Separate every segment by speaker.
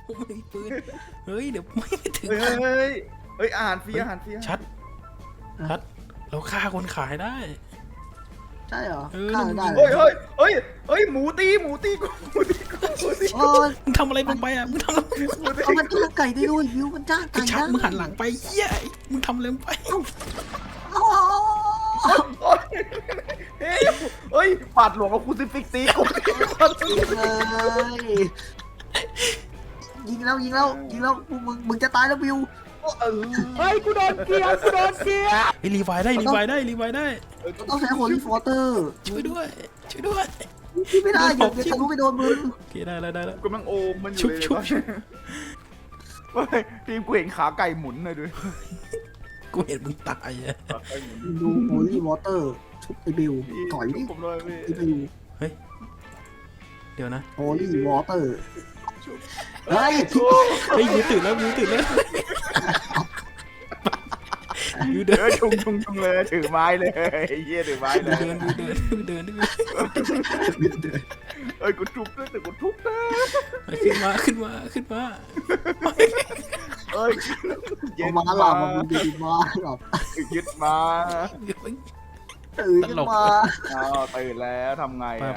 Speaker 1: ไม่มีปืนเฮ้ยเดี๋ยวไม่ถึง
Speaker 2: เฮ้ยอาหารฟรี
Speaker 1: ชัดเราฆ่าคนขายได้
Speaker 3: ใช่เหรอ
Speaker 1: เออ
Speaker 3: ฆ่าได้
Speaker 2: เฮ้ยหมูตีกู
Speaker 1: มึงทำอะไรลงไปอ่ะมึงทำอะไร
Speaker 3: เอามันจ้างไก่ได้ด้วยวิวมันจ้าง
Speaker 1: ไอ้
Speaker 3: ไก่
Speaker 1: ชัด
Speaker 3: ได้
Speaker 1: มึงหันหลังไปเหี้ยมึงทำอะไรลงไป
Speaker 3: เอา
Speaker 2: เฮ้ยปาดหลวงกับคูซิฟิกตีกู
Speaker 3: เลยยิงแล้วมึงจะตายแล้ววิว
Speaker 2: เฮ้ยกูโดนเกียร์
Speaker 1: ไอ้รีไวได้
Speaker 3: ต้องใช้โฮลี่ฟอเตอร์
Speaker 1: ช่วยด้วย
Speaker 3: ที่ไม่ได้อย่าทะลุไปโดนมึง
Speaker 1: โอเคได้แล้ว
Speaker 2: กูกำลังโอมมันอยู่เลยเฮ้ยทีมกูเห็นขาไก่หมุนเลยด้วย
Speaker 1: กูเห็นมึงตายอ่ะ
Speaker 3: ดูโฮลี่วอเตอร์ชุบไอบิวถอยดิ
Speaker 2: ผมเลยพี่
Speaker 3: ไอบิว
Speaker 1: เดี๋ยวนะ
Speaker 3: โฮลี่วอเตอร์เฮ้ย
Speaker 1: ยูตื่นแล้วยูเดิน
Speaker 2: ชุงเลยถือไม้เลยเยี่ยถือไม้เลย
Speaker 1: เดิน
Speaker 2: เอ้ยกูทุบด้วยแต่กูทุบนะ
Speaker 1: ขึ้นมา
Speaker 2: เอ้ย
Speaker 3: เอามาหลับมึงจะกินมาหลับ
Speaker 2: ยึดมา
Speaker 3: ตื่นขึ้นมา
Speaker 2: อ้าวตื่นแล้วทำไง
Speaker 1: ไป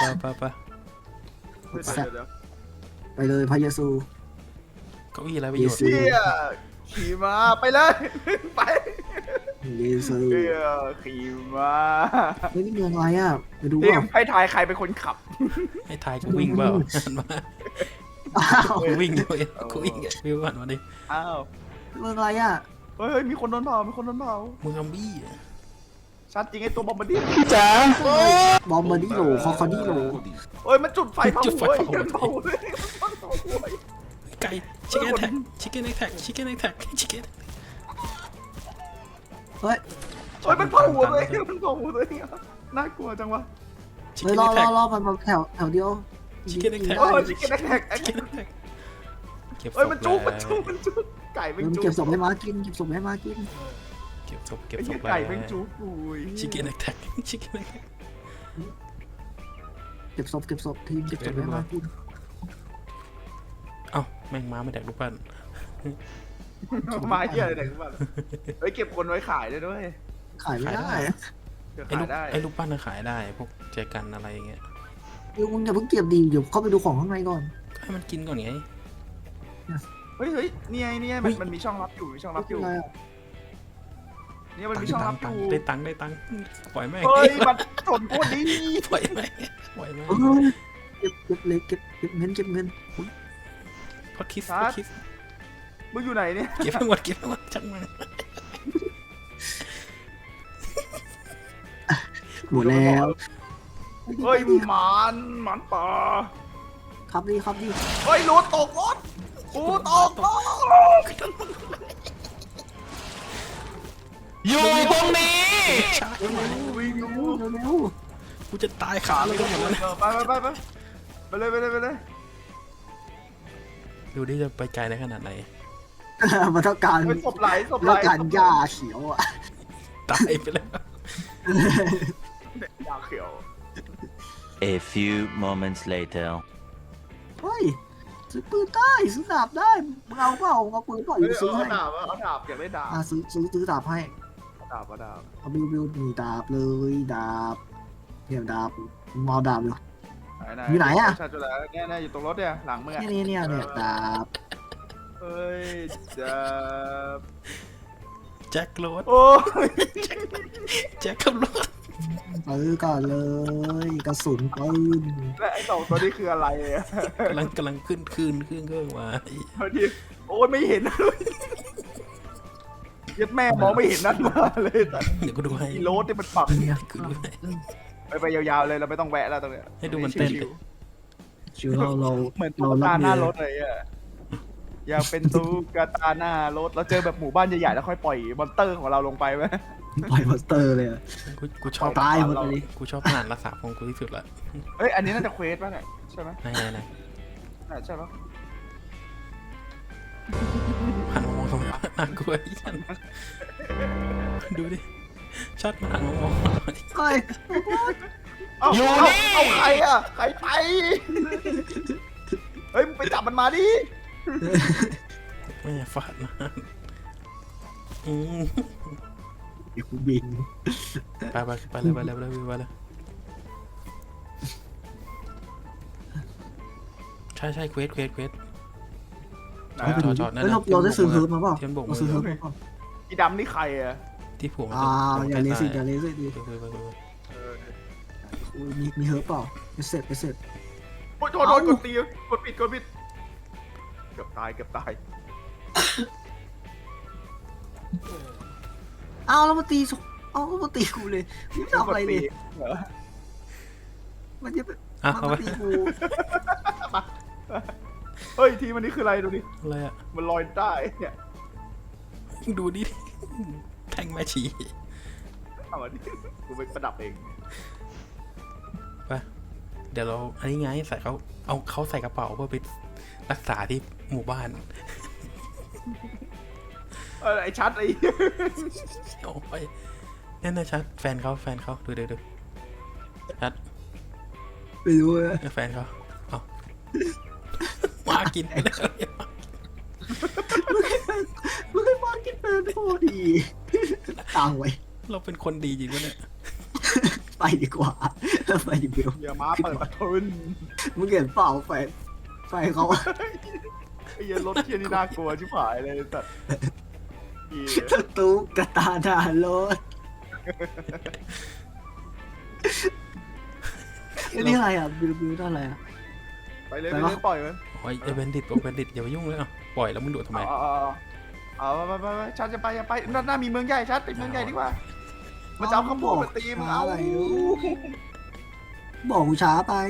Speaker 3: ไปเลยพระเยซู
Speaker 1: เก้าอี้อะไรประโยชน์
Speaker 2: เชี่ยขี่มาไปเลยไป
Speaker 3: เยซู
Speaker 2: เชี่ยขี่มา
Speaker 3: เฮ้ยนี่เมืองอะไรอ่ะไปดู
Speaker 2: เรีย
Speaker 3: ว่าก
Speaker 2: ให้ทายใครเป็นคนขับ
Speaker 1: ให้ทายกูวิ่งเปล่ามา
Speaker 3: อ้าว
Speaker 1: กูวิ่งด้วยกูวิ่งวิวหันมาดิ
Speaker 2: อ้าว
Speaker 3: เมืองอะไรอ่ะ
Speaker 2: เฮ้ยมีคนโดนเผามีคนโดนเผา
Speaker 1: มึงอัมบี้
Speaker 2: ชัดจริงไอ้ตัวบอมบ์ดี้
Speaker 3: บอมบาร์ดิโลคอคอดิโล
Speaker 2: เฮ้ยมันจุดไฟเผาหัวเผาเลย
Speaker 1: ไก่ชิคเก้นแท็กชิคเก้นแท็ก
Speaker 3: เฮ้ย
Speaker 2: เฮ้ยมันเผาหัวเลยมันเผาหัวเลยน่ากลัวจังวะ
Speaker 1: ชิค
Speaker 3: เฮ้ย
Speaker 1: เก้น
Speaker 3: รอ
Speaker 1: แท็ก
Speaker 3: มันแถวเดียว
Speaker 1: ชิคเก้นแท็ก
Speaker 2: โอ้ยชิคเก้นแท็กเฮ้ยมันจุกไก่เป็น
Speaker 3: มัน
Speaker 2: จุก
Speaker 3: เก็บศพให้มากินเก็บศพให้มากิน
Speaker 1: เก็บศพ
Speaker 2: ไก่เป็นจุกอุ้ย
Speaker 1: ชิคเก้นแท็ก
Speaker 3: เก็บศพทีมเก็บศพให้มากิน
Speaker 1: เอ้าแม่งม้าไม่แดกลูกปั้น
Speaker 2: มาเยี่ยอะไรไหนกันบ้างเฮ้ยเก็บคนไว้ขายได้ด้วย
Speaker 3: ขายไม่ได้
Speaker 2: ขายได้
Speaker 1: ไอ้ลูกปั้นน่ะขายได้พวกแจกันอะไรอย่างเงี้ย
Speaker 3: เดี๋ยวมึงอย่าเพิ่งเก็บดีเดี๋ยวเข้าไปดูของข้างในก่อน
Speaker 1: ก็ให้มันกินก่อนไง
Speaker 2: เฮ้ยนี่มันมีช่องรับอยู่มีช่องรับอยู่
Speaker 3: อะไรอ่ะ
Speaker 2: นี่มันมีช่องรับอยู่
Speaker 1: ได้ตังค์ปล่อยแม่ง
Speaker 2: เฮ้ยมันสนโคตรดี
Speaker 1: ปล่อยแม่ง
Speaker 3: เออเก็บเลยเก็บเงิน
Speaker 1: พอคิส
Speaker 2: มึงอยู่ไหนเนี่ย
Speaker 1: เก็บให้หมดจังมัน
Speaker 3: หมดแล้ว
Speaker 2: เฮ้ยมันป่า
Speaker 3: ครับดี
Speaker 2: เฮ้ยรถตกรถกูตกรถ
Speaker 1: อยู่ตรงนี้
Speaker 2: วิ่ง
Speaker 3: เร็ว
Speaker 1: กูจะตายขาเลยก็หมดแล้ว
Speaker 2: ไปเลย
Speaker 1: ดูดิจะไปไกลได้ขนาดไหน
Speaker 3: มันต้องการ
Speaker 2: เป็นศพไหล
Speaker 3: ต้องการหญ้าเขียวอ่ะ
Speaker 1: ตายไปแล้ว
Speaker 2: ยาเขียว
Speaker 4: A few moments later.
Speaker 3: เฮ้ยซื้อปืนได้ซื้อดาบได้มึงเอาเปล่าเอาปืนเปล่าอยู่ซื้อให้
Speaker 2: เอาดาบอยากได้ดาบ
Speaker 3: ซื้อดาบให้
Speaker 2: เอาดาบ
Speaker 3: เอาบิวมีดาบเลยดาบเนี่ยดาบมอดาบอยู่ อยู่ไหนอะ
Speaker 2: ใช่จุดแล้วเนี่ยอยู่ตรงรถเนี่ยหลังมึงอะ
Speaker 3: เนี่ยดาบ
Speaker 2: เฮ้ยดาบ
Speaker 1: แจ็ครถ
Speaker 2: โอ้ย
Speaker 1: แจ็คขับรถ
Speaker 3: ซื้อก่อนเลยกระสุนปืน
Speaker 2: และไอ้สองตัวนี้คืออะไรอะ
Speaker 1: กำลังขึ้นเครื่องมา
Speaker 2: พอดีโอ้ยไม่เห็นยัดแม่มองไม่เห็นนั่นมาเลยแต่
Speaker 1: เดี๋ยวกูดูให้
Speaker 2: อีโรสที่มันปัก
Speaker 1: กูดูให้
Speaker 2: ไปยาวๆเลยเราไม่ต้องแวะแล้วตรงเนี้ย
Speaker 1: ให้ดูมันเต้น
Speaker 3: ชิวเรา
Speaker 2: เหมือนตุ๊กตาหน้ารถเลยอะอยากเป็นตุ๊กตาหน้ารถเราเจอแบบหมู่บ้านใหญ่ๆแล้วค่อยปล่อยมอนเตอร์ของเราลงไปไหม
Speaker 3: ปล่อยมอนสเตอร์เลย
Speaker 1: กูชอบ
Speaker 3: ตายหมดเลย
Speaker 1: กูชอบงานรักษาของกูที่สุดละ
Speaker 2: เฮ้ยอันนี้น่าจะเควสป่ะเนี่ยใช่ไหม
Speaker 1: ไหน
Speaker 2: ใช่ปะ
Speaker 1: หันมามองตรงนี้น่ากลัวอีกอันดูดิชัดมาหันมามอง
Speaker 3: เฮ้ย
Speaker 2: เอาใครอ่ะใครไปเฮ้ยมึงไปจับมันมาดิ
Speaker 1: แม่ฟาดมาอืม
Speaker 3: เดี๋ยวกูบิน
Speaker 1: ไปเลยใช่เควส
Speaker 2: ไหน
Speaker 3: เอาไป
Speaker 2: อะ
Speaker 3: ดู
Speaker 1: จอดนั่น
Speaker 3: เฮ้ย
Speaker 1: น่ะ
Speaker 3: เราได้ซื้อเฮิร์บมาเปล่า
Speaker 1: เทียนบก
Speaker 3: เราซื้อเฮิร์บมาเปล่า
Speaker 2: อีดำนี่ใครอะ
Speaker 1: ที่ผูกมัน
Speaker 3: อย่าเลสิอย่าเลสิดิ
Speaker 1: ไป
Speaker 2: เออ
Speaker 3: มีเฮิร์บเปล่าไปเสร็จ
Speaker 2: โอ้ยโทษ
Speaker 3: เอ้า
Speaker 2: กดตีกดปิดเกือบตาย
Speaker 3: อ้าวแล้วมาตีเอาแล้วมาตีกูเลยไม่ทำอะไรเลย
Speaker 2: เหรอ
Speaker 3: มันจะ
Speaker 1: อ่ะ
Speaker 3: มัน
Speaker 1: เอาไป
Speaker 3: มาตีกู
Speaker 2: เฮ้ยทีมันนี่คืออะไรดูดิ
Speaker 1: อะไรอ่ะ
Speaker 2: มันลอยได้เนี่ย
Speaker 1: ดูดิแท่งแม่ชี
Speaker 2: เอามาดิกูไปประดับเอง
Speaker 1: ไปเดี๋ยวเราอันนี้ไงใส่เขาใส่กระเป๋าเพื่อไปรักษาที่หมู่บ้าน
Speaker 2: ไอ้ชัดไอ้
Speaker 1: โอ้ยนั่นนะชัดแฟนเขาดูชัด
Speaker 3: ไปดูเลย
Speaker 1: แฟนเขาเอามากินไปแล้ว
Speaker 3: มึงให้มากินเป็นโคตรดีตังไว้
Speaker 1: เราเป็นคนดีจริงวะเนี่ย
Speaker 3: ไปดีกว่าไปดีเบล
Speaker 2: อย่ามาเปิดประทุน
Speaker 3: มึงเห็นเปล่าไฟเขา
Speaker 2: ไอ้เหี้ยรถเที่ยนี่น่ากลัวชิบหายเลยสัตว์เหี้ย
Speaker 3: ตุ๊กตาหน้ารถนี่อะไรอ่ะบิวนั่นอะไรอ่ะ
Speaker 2: ไปเลย
Speaker 3: ไป
Speaker 2: ไป
Speaker 3: วะ
Speaker 2: เลยปล่อยมัน
Speaker 1: โอ้ยเบนดิตอย่าไปยุ่งเลยอ่ะปล่อยแล้วมึงโดดทำไม
Speaker 2: เอาไปชัดจะไปด้านหน้ามีเมืองใหญ่ชัดไปเมืองใหญ่ดีกว่ามันจะเอาข้าวโพดมาตีมึงเอา
Speaker 3: อะไรบอกกูช้าไป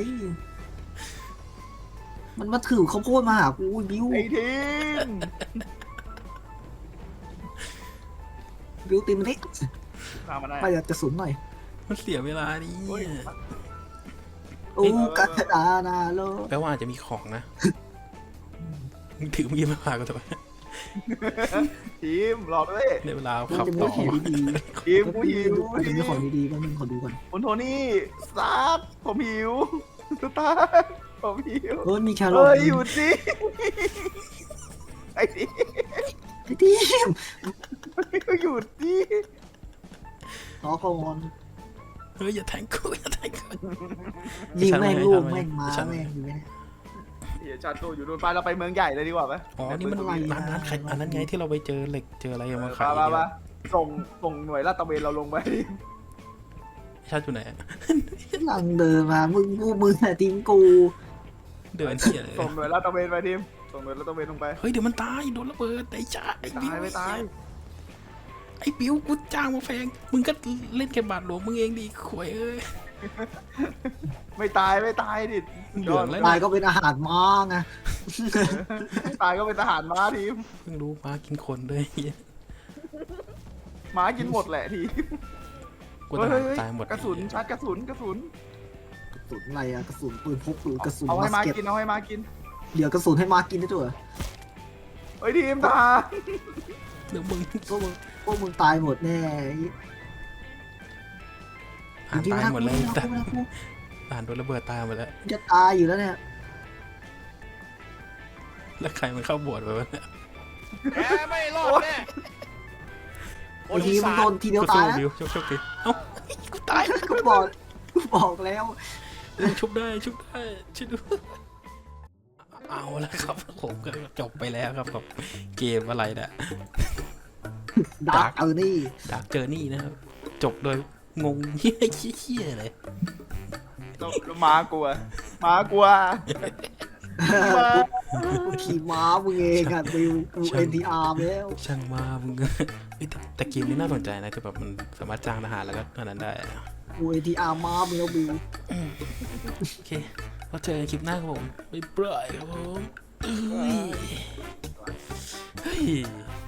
Speaker 3: มันมาถือข้าวโพดมาหากูบิว
Speaker 2: ไอ้ทีม
Speaker 3: บิวตีมันนี่
Speaker 2: ตามมาได้
Speaker 3: ไปกระสุนหน่อย
Speaker 1: มันเสียเวลาดิ
Speaker 2: เฮ้ย
Speaker 3: ตุ๊กตาหน้ารถ
Speaker 1: แปลว่าอาจจะมีของนะมึงถือมีดมาพากูทำไม
Speaker 2: ทีมรอด้วย
Speaker 1: ในเวลา
Speaker 3: มัน
Speaker 1: ขับ
Speaker 3: จะมี
Speaker 1: ต่อ
Speaker 3: ของดี
Speaker 2: ทีมกู
Speaker 3: ๆ
Speaker 2: หิว
Speaker 3: มันจะมีของดีๆบ้างนึงขอดูก่อน
Speaker 2: คุณโทนี่สตาร์ทผมหิวสตาร์ทผมหิว
Speaker 3: มีแครอท
Speaker 2: เฮ้ยหยุดสิไอ้ที
Speaker 3: ไอ้ทีม
Speaker 2: หยุดสิ
Speaker 3: รอก่อน
Speaker 1: เฮ้ยอย่าแทงกูอย่าแทงกู
Speaker 3: ยิงแม่งลูก
Speaker 1: ไม่
Speaker 3: แม่ง
Speaker 1: ใช่
Speaker 3: ม้า
Speaker 1: ไม่ใช่
Speaker 3: แม่งอยู่ไหม
Speaker 2: เดี๋ยวชัดตัวอยู่นู่นไปเราไปเมืองใหญ่เลยดีกว่าไหม
Speaker 1: อ๋อนี่มัน
Speaker 3: อะไรนะ
Speaker 1: ร้านขายอันนั้นไงที่เราไปเจอเหล็กเจออะไรมา
Speaker 2: ไป
Speaker 1: ขาย
Speaker 2: ไปส่งหน่วยลาดตระเวนเราลงไป
Speaker 1: ชาติอยู่ไหน
Speaker 3: กำลังเดินมามึงแต่ทีมกู
Speaker 1: เดินเที่ยเลย
Speaker 2: ส่งหน่วยลาดตระเวนไปทีมส่งหน่วยลาดตระเวนลงไป
Speaker 1: เฮ้ยเดี๋ยวมันตายโดนระเบิดไอ้จ้าไอ้บิว
Speaker 2: ไม่ตาย
Speaker 1: ไอ้บิวกูจ้างมาแพงมึงก็เล่นแค่บาทหลวงมึงเองดิข่วยเอ้ย
Speaker 2: ไม่ตายดิ
Speaker 1: เหลืองแล้ว
Speaker 3: ตายก็เป็นอาหารม้าไง
Speaker 2: ตายก็เป็นทหารม้าทีม
Speaker 1: เพิ่งรู้มากินคนด้วย
Speaker 2: ม้ากินหมดแหละทีม
Speaker 1: กูทหารตายหมด
Speaker 2: กระสุนชาร์จกระสุน
Speaker 3: กระสุนอะไรอะกระสุนปืนพกหรือกระสุน
Speaker 2: เอาให้
Speaker 3: มา
Speaker 2: ม้า
Speaker 3: สเก็ต
Speaker 2: กินเอาให้ม้ากิน
Speaker 3: เดี๋ยวกระสุนให้มากินได้ด้วยเหรอ
Speaker 2: เฮ้ยทีมทหาร
Speaker 1: เดี๋ยวมึง
Speaker 3: พวกมึงตายหมดแน่
Speaker 1: อ่านตายหมดเลย
Speaker 3: แต่
Speaker 1: แต่อ่านโดนระเบิดตายหมดแล้ว
Speaker 3: จะตายอยู่แล้วเนี่ย
Speaker 1: แล้วใครมันเข้าโบสถ์ไปวะเนี่ย
Speaker 5: แกไม่รอดแน่
Speaker 3: ไอ้ทีมันโดนทีเดียว
Speaker 1: กู
Speaker 3: ตา
Speaker 1: สู้
Speaker 3: ยนะ
Speaker 1: บิวโชคดีเอ้ากูตาย
Speaker 3: กูบอกแล้ว
Speaker 1: ชุบได้ช่วยดูเอาแล้วครับผมก็จบไปแล้วครับกับเกมอะไรเนี่ย
Speaker 3: ดาร์กนี่
Speaker 1: ดาร์กเจอร์นี่นะครับ จบโดยงงเฮี้ยเลย
Speaker 2: ม้ากลัวม้ากลัว
Speaker 3: ขี่ม้ามึงเองอะบิวกู NTR แล้ว
Speaker 1: ช่างมามึงเอ้ยแต่เกมนี้น่าสนใจนะคือแบบมันสามารถจ้างทหารแล้วก็อันนั้นได้อะ
Speaker 3: กู NTR ม้ามึงแล้วบิว
Speaker 1: โอเคเราเจอกันคลิปหน้าครับผมบ๊ายบายครับผมเฮ้ย